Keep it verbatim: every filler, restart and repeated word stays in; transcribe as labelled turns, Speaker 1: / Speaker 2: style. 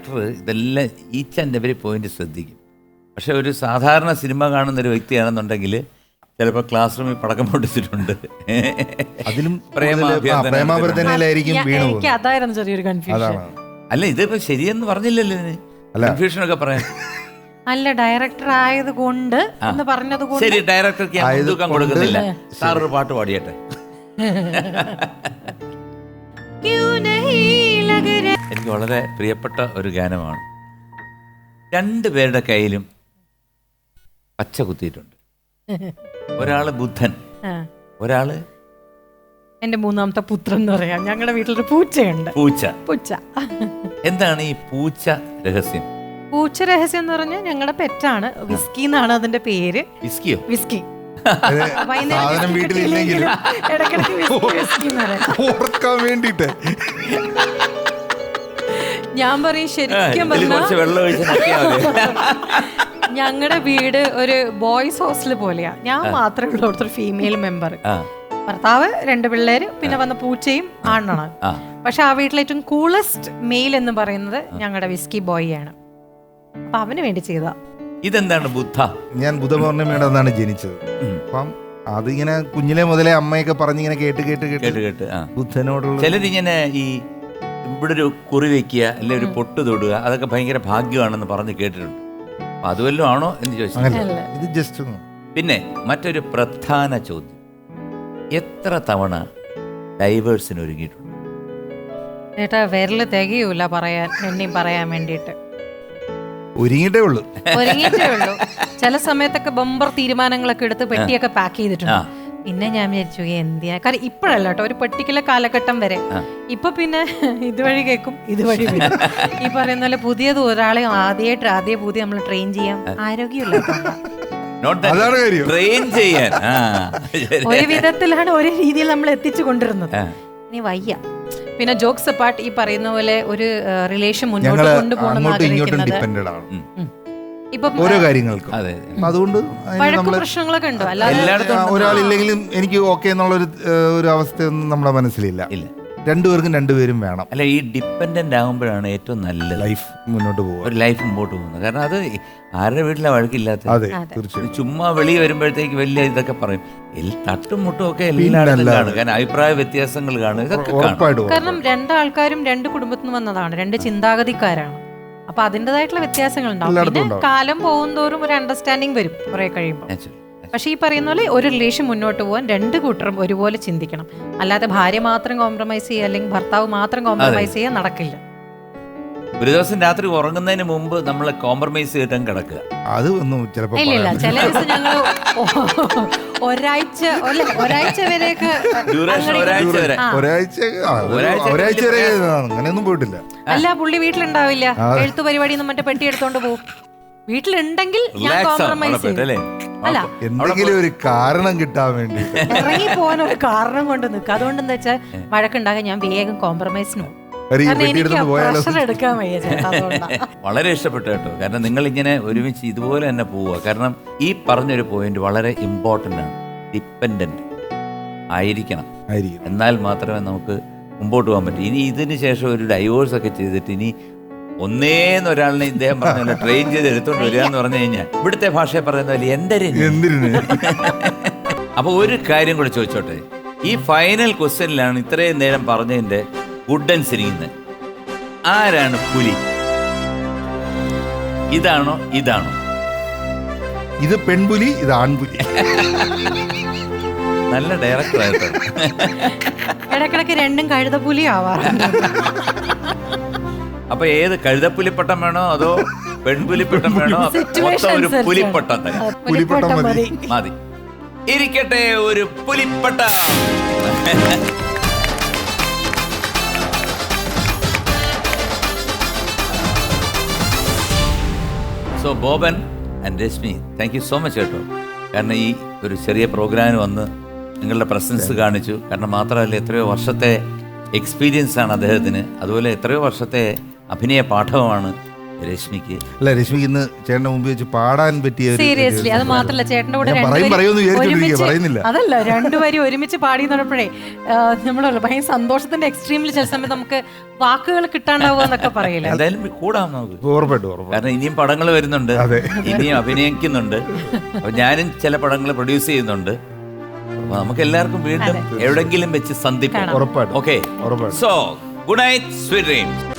Speaker 1: Director ഇതെല്ലാം each and every point ശ്രദ്ധിക്കും. പക്ഷെ ഒരു സാധാരണ സിനിമ കാണുന്ന ഒരു വ്യക്തിയാണെന്നുണ്ടെങ്കിൽ ചിലപ്പോൾ ക്ലാസ് റൂമിൽ പടക്കം പൊട്ടിച്ചിട്ടുണ്ട്.
Speaker 2: അതിലും
Speaker 3: പ്രേമാഭ്യർത്ഥനയിലായിരിക്കും വീണു പോകുന്നത്. അതായിരുന്നു ചെറിയൊരു കൺഫ്യൂഷൻ.
Speaker 1: അല്ല ഇതിപ്പോ ശരിയെന്ന് പറഞ്ഞില്ലല്ലോ ഇതിന്, കൺഫ്യൂഷനൊക്കെ പറയാൻ.
Speaker 3: അല്ല ഡയറക്ടർ ആയത് കൊണ്ട് എന്ന് പറഞ്ഞത് കൊണ്ട്
Speaker 1: ശരി, ഡയറക്ടർക്ക് ഞാൻ മുൻതൂക്കം കൊടുക്കുന്നില്ല. സാർ ഒരു പാട്ട് പാടിയട്ടെ. എനിക്ക് വളരെ പ്രിയപ്പെട്ട ഒരു ഗാനമാണ്. രണ്ടു പേരുടെ കയ്യിലും പച്ച കുത്തിയിട്ടുണ്ട്. ഒരാള് ബുദ്ധൻ, ഒരാള്
Speaker 3: എന്റെ മൂന്നാമത്തെ പുത്രൻ എന്ന് പറയാം. ഞങ്ങളുടെ വീട്ടിലൊരു പൂച്ചയുണ്ട്.
Speaker 1: പൂച്ച.
Speaker 3: പൂച്ച
Speaker 1: എന്താണ് ഈ പൂച്ച രഹസ്യം?
Speaker 3: പൂച്ച രഹസ്യം എന്ന് പറഞ്ഞാൽ ഞങ്ങളുടെ പെറ്റാണ്. വിസ്കി എന്നാണ് അതിന്റെ പേര്.
Speaker 1: വിസ്കിയോ?
Speaker 3: വിസ്കി.
Speaker 2: സാധനം വീട്ടിലില്ലെങ്കിലും ഓർക്കാൻ വേണ്ടിട്ട്
Speaker 3: ഞാൻ പറയും ശരിക്കും ഞങ്ങളുടെ വീട് ഒരു ബോയ്സ് ഹോസ്റ്റൽ പോലെയാ. ഞാൻ മാത്രമേ ഉള്ളൂ അവിടുത്തെ ഫീമെയിൽ മെമ്പർ. ഭർത്താവ്, രണ്ട് പിള്ളേര്, പിന്നെ വന്ന പൂച്ചയും ആണാണ്. പക്ഷെ ആ വീട്ടിലെ ഏറ്റവും കൂളസ്റ്റ് മെയിൽ എന്ന് പറയുന്നത് ഞങ്ങളുടെ വിസ്കി ബോയ് ആണ്. അപ്പൊ അവന് വേണ്ടി ചെയ്ത.
Speaker 1: ഇതെന്താണ് ബുദ്ധ?
Speaker 2: ഞാൻ ബുധപൗർണമിയുടെ അന്നാണ് ജനിച്ചത്. അപ്പം അതിങ്ങനെ കുഞ്ഞിലെ മുതലേ അമ്മയൊക്കെ പറഞ്ഞിങ്ങനെ കേട്ട് കേട്ട് കേട്ട്
Speaker 1: കേട്ട്
Speaker 2: ബുദ്ധനോടുള്ള
Speaker 1: ചിലരിങ്ങനെ ഈ ഇവിടെ ഒരു കുറി വെക്കുക, അല്ലെ ഒരു പൊട്ട് തൊടുക, അതൊക്കെ ഭയങ്കര ഭാഗ്യമാണെന്ന് പറഞ്ഞ് കേട്ടിട്ടുണ്ട്. അപ്പൊ അതുവല്ലോ ആണോ എന്ന് ചോദിച്ചാൽ
Speaker 2: ഇത് ജസ്റ്റ്.
Speaker 1: പിന്നെ മറ്റൊരു പ്രധാന ചോദ്യം, എത്ര തവണ ഡൈവേഴ്സിന് ഒരുങ്ങിയിട്ടുണ്ട്?
Speaker 3: ചേട്ടാ വിരല് തികയൂല പറയാൻ, എന്നെയും പറയാൻ വേണ്ടിയിട്ട്.
Speaker 2: ഒരുങ്ങിയിട്ടേ ഉള്ളൂ
Speaker 3: ഒരുങ്ങിയിട്ടേ ഉള്ളൂ ചില സമയത്തൊക്കെ ബമ്പർ തീരുമാനങ്ങളൊക്കെ എടുത്ത് പെട്ടിയൊക്കെ പാക്ക് ചെയ്തിട്ടുണ്ട്. പിന്നെ ഞാൻ വിചാരിച്ചു എന്തിനാ, കാരണം ഇപ്പോഴല്ല കേട്ടോ, ഒരു പെർട്ടിക്കുലർ കാലഘട്ടം വരെ. ഇപ്പൊ പിന്നെ ഇതുവഴി കേൾക്കും, ഇതുവഴി വരും. ഈ പറയുന്ന പോലെ പുതിയത് ഒരാളെ ആദ്യമായിട്ട് ആദ്യ പുതിയ നമ്മൾ ട്രെയിൻ ചെയ്യാൻ ആരോഗ്യമില്ല. ഒരു വിധത്തിലാണ് ഒരു രീതിയിൽ നമ്മൾ എത്തിച്ചു കൊണ്ടിരുന്നത്. ഇനി വയ്യ. പിന്നെ ജോക്സ് അപ്പാർട്ട്, ഈ പറയുന്ന പോലെ ഒരു റിലേഷൻ മുന്നോട്ട് കൊണ്ടുപോകണം ഇപ്പൊ
Speaker 2: ഓരോ കാര്യങ്ങൾക്കും. അതുകൊണ്ട്
Speaker 3: പ്രശ്നങ്ങളൊക്കെ ഉണ്ടോ? അല്ലാതെ
Speaker 2: ഒരാളില്ലെങ്കിലും എനിക്ക് ഓക്കെ എന്നുള്ള ഒരു അവസ്ഥയൊന്നും നമ്മുടെ മനസ്സിലില്ല. രണ്ടുപേർക്കും രണ്ടുപേരും വേണം.
Speaker 1: അല്ല, ഈ ഡിപ്പെൻഡന്റ് ആകുമ്പോഴാണ് ഏറ്റവും നല്ല
Speaker 2: ലൈഫ് മുന്നോട്ട് പോകുക,
Speaker 1: ഒരു ലൈഫ് മുമ്പോട്ട് പോകുന്നത്. കാരണം അത് ആരുടെ വീട്ടിലെ വഴക്കില്ലാത്ത, ചുമ്മാ വെളി വരുമ്പോഴത്തേക്ക് വലിയ ഇതൊക്കെ പറയും, തട്ടും മുട്ടും ഒക്കെ എല്ലായിടത്തും കാണും. കാരണം അഭിപ്രായ വ്യത്യാസങ്ങൾ കാണും, ഇതൊക്കെ കാണും.
Speaker 3: കാരണം രണ്ടാൾക്കാരും രണ്ട് കുടുംബത്തിൽ നിന്ന് വന്നതാണ്, രണ്ട് ചിന്താഗതിക്കാരാണ്. അപ്പൊ അതിൻ്റെതായിട്ടുള്ള വ്യത്യാസങ്ങൾ ഉണ്ടാവും. പിന്നെ കാലം പോകുന്തോറും ഒരു അണ്ടർസ്റ്റാൻഡിങ് വരും കുറെ കഴിയുമ്പോൾ. പക്ഷെ ഈ പറയുന്ന പോലെ ഒരു റിലേഷൻ മുന്നോട്ട് പോകാൻ രണ്ട് കൂട്ടരും ഒരുപോലെ ചിന്തിക്കണം. അല്ലാതെ ഭാര്യ മാത്രം കോംപ്രമൈസ് ചെയ്യുക അല്ലെങ്കിൽ ഭർത്താവ് മാത്രം കോംപ്രമൈസ് ചെയ്യാൻ നടക്കില്ല.
Speaker 1: ഒരു ദിവസം രാത്രി ഉറങ്ങുന്നതിന് മുമ്പ് നമ്മൾ കോംപ്രമൈസ് ചെയ്തിട്ടും കിടക്കുക,
Speaker 2: അത് ഒന്നും ചിലപ്പോൾ
Speaker 3: ഇല്ല. ചില ദിവസം ഞങ്ങൾ ഒരാഴ്ച ഒരാഴ്ച വരെയൊക്കെ
Speaker 2: ഒരാഴ്ച വരെ അങ്ങനെയൊന്നും പോയിട്ടില്ല.
Speaker 3: അല്ല, പുള്ളി വീട്ടിലുണ്ടാവില്ല, എഴുത്തു പരിപാടി മറ്റേ പെട്ടി എടുത്തോണ്ട് പോകും. വീട്ടിലുണ്ടെങ്കിൽ ഞാൻ കോംപ്രമൈസ് ചെയ്യും. അല്ല,
Speaker 2: എന്തെങ്കിലും ഒരു കാരണം കിട്ടാൻ വേണ്ടി
Speaker 3: ഇറങ്ങി പോകാൻ ഒരു കാരണം കൊണ്ട് നിൽക്കുക. അതുകൊണ്ട് എന്താ വെച്ചാൽ വഴക്കുണ്ടാകാൻ ഞാൻ വേഗം കോംപ്രമൈസിന് പോകും.
Speaker 1: വളരെ ഇഷ്ടപ്പെട്ടു കേട്ടോ. കാരണം നിങ്ങൾ ഇങ്ങനെ ഒരുമിച്ച് ഇതുപോലെ തന്നെ പോവുക. കാരണം ഈ പറഞ്ഞൊരു പോയിന്റ് വളരെ ഇമ്പോർട്ടൻ്റ് ആണ്. ഡിപ്പെൻഡന്റ് ആയിരിക്കണം, എന്നാൽ മാത്രമേ നമുക്ക് മുമ്പോട്ട് പോകാൻ പറ്റൂ. ഇനി ഇതിന് ശേഷം ഒരു ഡൈവോഴ്സ് ഒക്കെ ചെയ്തിട്ട് ഇനി ഒന്നേന്ന് ഒരാളിനെ ഇദ്ദേഹം പറഞ്ഞ ട്രെയിൻ ചെയ്ത് എടുത്തോണ്ട് വരിക എന്ന് പറഞ്ഞു കഴിഞ്ഞാൽ ഇവിടുത്തെ ഭാഷയെ പറയുന്ന പോലെ എന്തിനു. അപ്പൊ ഒരു കാര്യം കൂടെ ചോദിച്ചോട്ടെ, ഈ ഫൈനൽ ക്വസ്റ്റ്യനിലാണ് ഇത്രയും നേരം പറഞ്ഞതിന്റെ ഗുഡൻ സിരിങ്ങുന്നത്. ആരാണ് പുലി? ഇതാണോ ഇതാണോ?
Speaker 2: ഇത് പെൺപുലി, ഇത് ആൺപുലി.
Speaker 1: നല്ല ഡയറക്ടർ ആയിട്ടോ.
Speaker 3: ഇടക്കിടക്ക് രണ്ടും കഴുതപ്പുലി ആവാറുണ്ട്.
Speaker 1: അപ്പൊ ഏത് കഴുതപ്പുലിപ്പട്ടം വേണോ അതോ പെൺപുലിപ്പട്ടം വേണോ? ഒരു പുലിപ്പട്ടം തന്നെ
Speaker 2: പുലിപ്പട്ടം മതി.
Speaker 1: മതി. ഇരിക്കട്ടെ, ഒരു പുലിപ്പട്ടം. So Boban and Rashmi, thank you so much കേട്ടോ. കാരണം ഈ ഒരു ചെറിയ പ്രോഗ്രാമിന് വന്ന് നിങ്ങളുടെ പ്രസൻസ് കാണിച്ചു. കാരണം മാത്രമല്ല, എത്രയോ വർഷത്തെ എക്സ്പീരിയൻസ് ആണ് അദ്ദേഹത്തിന്. അതുപോലെ എത്രയോ വർഷത്തെ അഭിനയ പാഠവുമാണ് രശ്മിക്ക്
Speaker 2: അല്ല രശ്മിക്ക് ഇന്ന് ചേട്ടന്റെ മുമ്പിൽ വെച്ച് പാടാൻ പറ്റിയ ഒരു-
Speaker 3: സീരിയസ്ലി അത് മാത്രല്ല ചേട്ടന്റെ കൂടെ
Speaker 2: ഞാൻ പറയും
Speaker 3: രണ്ടുപേരും
Speaker 2: പറയുമെന്ന് വിചാരിച്ചോണ്ടിരിക്കുക,
Speaker 3: ഒരുമിച്ച്
Speaker 2: പറയുന്നില്ല.
Speaker 3: അതല്ല രണ്ടുപേരും ഒരുമിച്ച് പാടി എന്നപ്പോഴേ നമ്മളല്ല ഭയങ്കര സന്തോഷത്തിന്റെ എക്സ്ട്രീമിൽ ചില സമയത്ത് നമുക്ക് വാക്കുകൾ കിട്ടാണ്ടാവുക എന്നൊക്കെ പറയില്ല.
Speaker 1: എന്തായാലും കൂടാം നമുക്ക്.
Speaker 2: ഉറപ്പായിട്ടും ഉറപ്പായിട്ടും.
Speaker 1: കാരണം ഇനിയും പടങ്ങൾ വരുന്നുണ്ട്,
Speaker 2: അതെ.
Speaker 1: ഇനിയും അഭിനയിക്കുന്നുണ്ട്. അപ്പൊ ഞാനും ചില പടങ്ങൾ പ്രൊഡ്യൂസ് ചെയ്യുന്നുണ്ട്. അപ്പൊ നമുക്ക് എല്ലാവർക്കും വീണ്ടും എവിടെങ്കിലും വെച്ച് സന്ധിക്കാം.
Speaker 2: ഉറപ്പായിട്ടും
Speaker 1: ഓക്കെ,
Speaker 2: ഉറപ്പായിട്ടും.
Speaker 1: So good night, sweet dreams.